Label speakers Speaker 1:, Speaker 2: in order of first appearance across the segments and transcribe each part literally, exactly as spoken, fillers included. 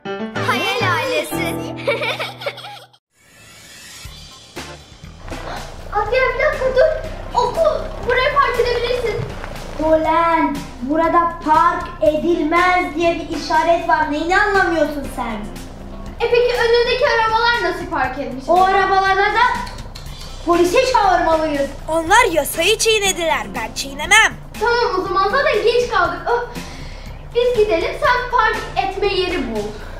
Speaker 1: Hayal ailesi. Abi bir dakika dur. Okul. Buraya park edebilirsin.
Speaker 2: Ulan burada park edilmez diye bir işaret var. Neyini anlamıyorsun sen?
Speaker 1: E peki önündeki arabalar nasıl park etmiş?
Speaker 2: O arabalara da polise çağırmalıyız.
Speaker 3: Onlar yasayı çiğnediler. Ben çiğnemem.
Speaker 1: Tamam o zaman zaten geç kaldık. Oh. Biz gidelim, sen park etme yeri bul.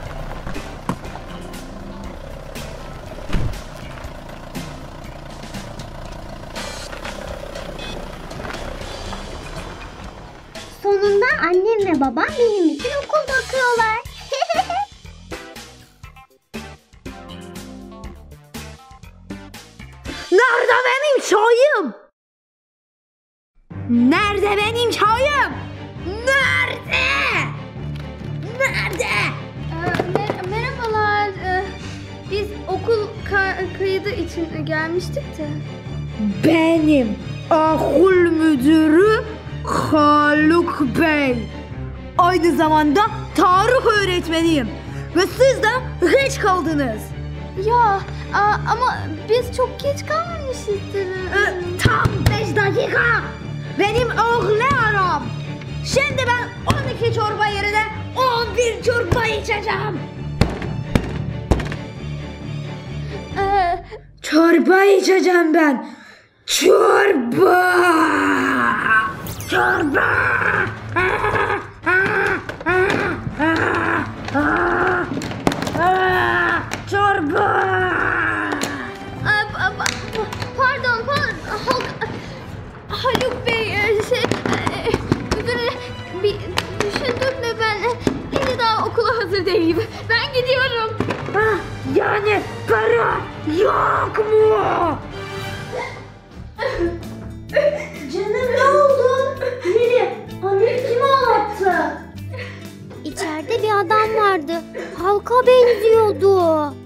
Speaker 4: Sonunda annem ve babam benim için okul bakıyorlar.
Speaker 3: Nerede benim çayım? Nerede benim çayım? Nerede? Nerede?
Speaker 1: Ee, mer- merhabalar. Ee, biz okul ka- kaydı için gelmiştik de.
Speaker 3: Benim okul müdürü Haluk Bey. Aynı zamanda tarih öğretmeniyim. Ve siz de geç kaldınız.
Speaker 1: Ya a- ama biz çok geç kalmamışızdır.
Speaker 3: Ee, tam beş dakika. Benim oğlum. Şimdi ben on iki çorba yerine on bir çorba içeceğim.
Speaker 1: Ee,
Speaker 3: Çorba içeceğim ben. Çorba. Çorba. Çorba.
Speaker 1: a- a- a- pardon, pardon. Halk- Haluk Bey, e, şey, e, müdüre bir düşündüm de ben e, henüz daha okula hazır değilim. Ben gidiyorum.
Speaker 3: Ah, yani para yok mu?
Speaker 2: Canım ne oldu? Neri? Anne kim ağlattı?
Speaker 4: İçeride bir adam vardı. Halka benziyordu.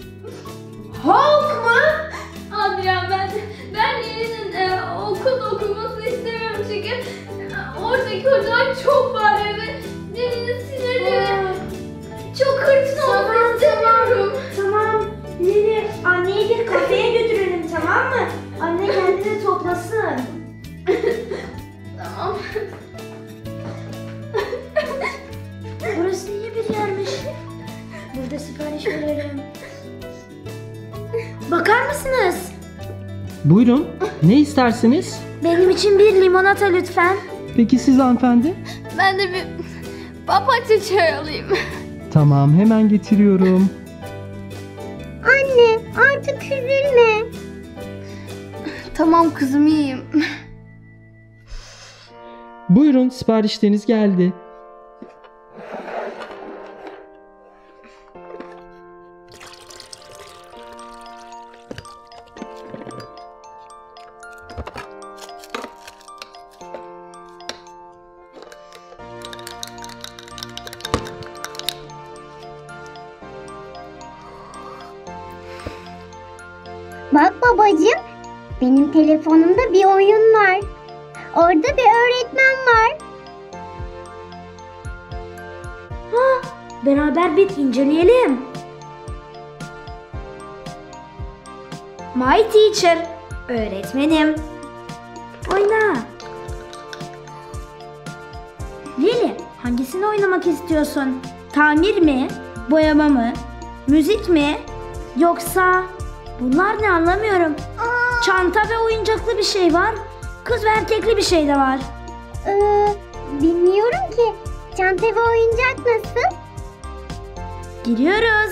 Speaker 2: Hulk mı?
Speaker 1: Abi ya ben ben Lili'nin e, okul okumasını istemiyorum çünkü e, oradaki hocalar çok bağırıyor ve Lili'nin sinirleri çok hırçın olmasını istemiyorum.
Speaker 2: Tamam. Neri, anneyi bir kafeye götürelim, tamam mı? Anne kendini toplasın.
Speaker 1: Tamam.
Speaker 2: Burası iyi bir yermiş. Burada sipariş verelim. Bakar mısınız?
Speaker 5: Buyurun. Ne istersiniz?
Speaker 2: Benim için bir limonata lütfen.
Speaker 5: Peki siz hanımefendi?
Speaker 1: Ben de bir papatya çay alayım.
Speaker 5: Tamam, hemen getiriyorum.
Speaker 4: Anne artık üzülme.
Speaker 1: Tamam kızım, iyiyim.
Speaker 5: Buyurun, siparişleriniz geldi.
Speaker 4: Bak babacığım, benim telefonumda bir oyun var. Orada bir öğretmen var.
Speaker 2: Ha, beraber bir inceleyelim. My teacher. Öğretmenim. Oyna. Lili, hangisini oynamak istiyorsun? Tamir mi? Boyama mı? Müzik mi? Yoksa bunlar ne, anlamıyorum. Çanta ve oyuncaklı bir şey var. Kız ve erkekli bir şey de var.
Speaker 4: Ee, bilmiyorum ki. Çanta ve oyuncak nasıl?
Speaker 2: Giriyoruz.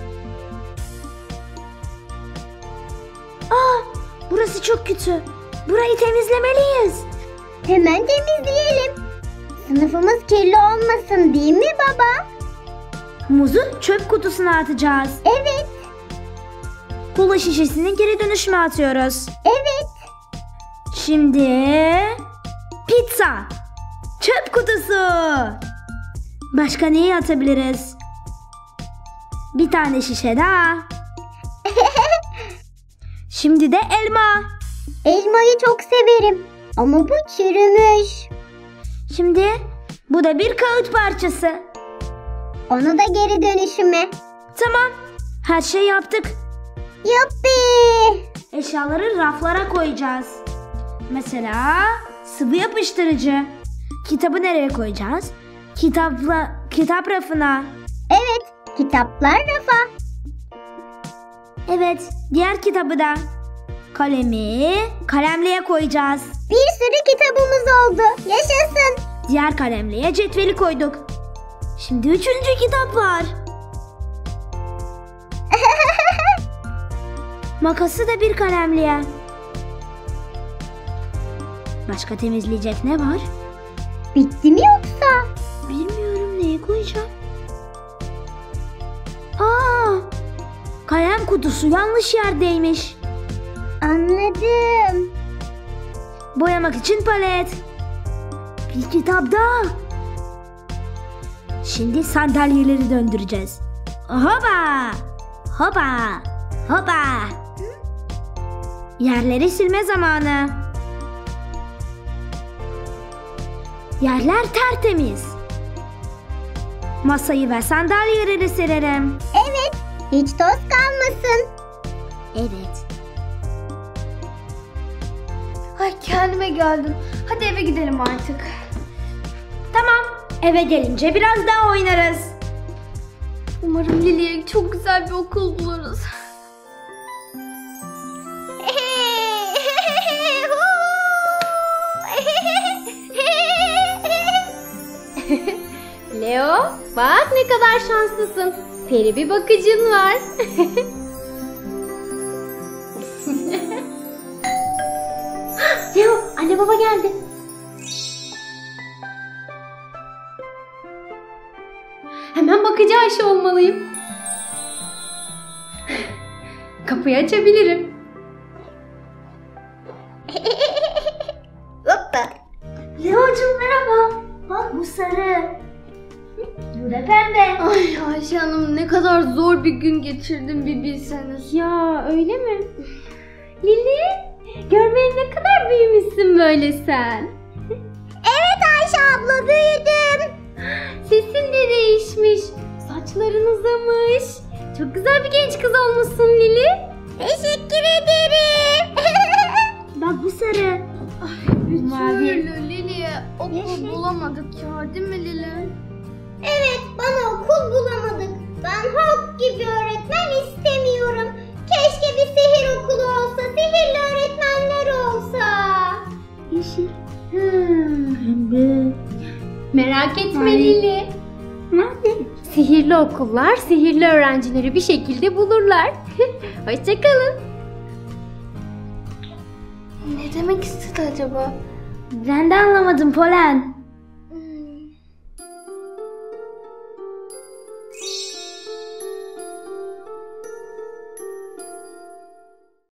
Speaker 2: Aa, burası çok kötü. Burayı temizlemeliyiz.
Speaker 4: Hemen temizleyelim. Sınıfımız kirli olmasın değil mi baba?
Speaker 2: Muzu çöp kutusuna atacağız.
Speaker 4: Evet,
Speaker 2: Kola şişesini geri dönüşüme atıyoruz.
Speaker 4: evet.
Speaker 2: Şimdi pizza. Çöp kutusu. Başka neyi atabiliriz? Bir tane şişe daha. Şimdi de elma.
Speaker 4: Elmayı çok severim. Ama bu çürümüş.
Speaker 2: Şimdi bu da bir kağıt parçası.
Speaker 4: Onu da geri dönüşüme.
Speaker 2: Tamam. Her şey yaptık.
Speaker 4: Yuppi.
Speaker 2: Eşyaları raflara koyacağız. Mesela sıvı yapıştırıcı. Kitabı nereye koyacağız? Kitapla, kitap rafına.
Speaker 4: Evet, kitaplar rafa.
Speaker 2: Evet, diğer kitabı da. Kalemi kalemliğe koyacağız.
Speaker 4: Bir sürü kitabımız oldu. Yaşasın.
Speaker 2: Diğer kalemliğe cetveli koyduk. Şimdi üçüncü kitap var. Makası da bir kalemliğe. Başka temizleyecek ne var?
Speaker 4: Bitti mi yoksa?
Speaker 2: Bilmiyorum, neye koyacağım. Aa, kalem kutusu yanlış yerdeymiş.
Speaker 4: Anladım.
Speaker 2: Boyamak için palet. Bir kitap daha. Şimdi sandalyeleri döndüreceğiz. Hopa! Hopa! Hopa! Yerleri silme zamanı. Yerler tertemiz. Masayı ve sandalyeleri silerim.
Speaker 4: Evet, hiç toz kalmasın.
Speaker 2: Evet.
Speaker 1: Ay kendime geldim. Hadi eve gidelim artık.
Speaker 2: Tamam. Eve gelince biraz daha oynarız.
Speaker 1: Umarım Lili'ye çok güzel bir okul buluruz.
Speaker 6: Leo, bak ne kadar şanslısın. Peri bir bakıcın var.
Speaker 2: Leo, anne baba geldi.
Speaker 6: Hemen bakıcı Ayşe olmalıyım. Kapıyı açabilirim.
Speaker 4: Hoppa.
Speaker 2: Leo'cum merhaba. Bak bu sarı. Bu da pembe.
Speaker 1: Ay Ayşe Hanım, ne kadar zor bir gün geçirdim bir bilseniz.
Speaker 6: Ya öyle mi? Lili, görmeye ne kadar büyümüşsün böyle sen.
Speaker 4: Evet Ayşe abla, büyüdüm.
Speaker 6: Sesin de değişmiş. Saçların uzamış. Çok güzel bir genç kız olmuşsun Lili.
Speaker 4: Teşekkür ederim.
Speaker 2: Bak bu sarı.
Speaker 1: Bir
Speaker 6: Mavi.
Speaker 1: türlü Lili'ye okul bulamadık ya, değil mi Lili?
Speaker 4: Evet, bana okul bulamadık. Ben Hulk gibi öğretmen istemiyorum. Keşke bir sihir okulu olsa, sihirli öğretmenler olsa.
Speaker 2: Yeşil.
Speaker 6: Hmm.
Speaker 2: Pembe.
Speaker 6: Merak etme
Speaker 2: Ay.
Speaker 6: Lili.
Speaker 2: Nerede?
Speaker 6: Sihirli okullar sihirli öğrencileri bir şekilde bulurlar. Hoşçakalın.
Speaker 1: Ne demek istedi acaba?
Speaker 2: Ben de anlamadım Polen.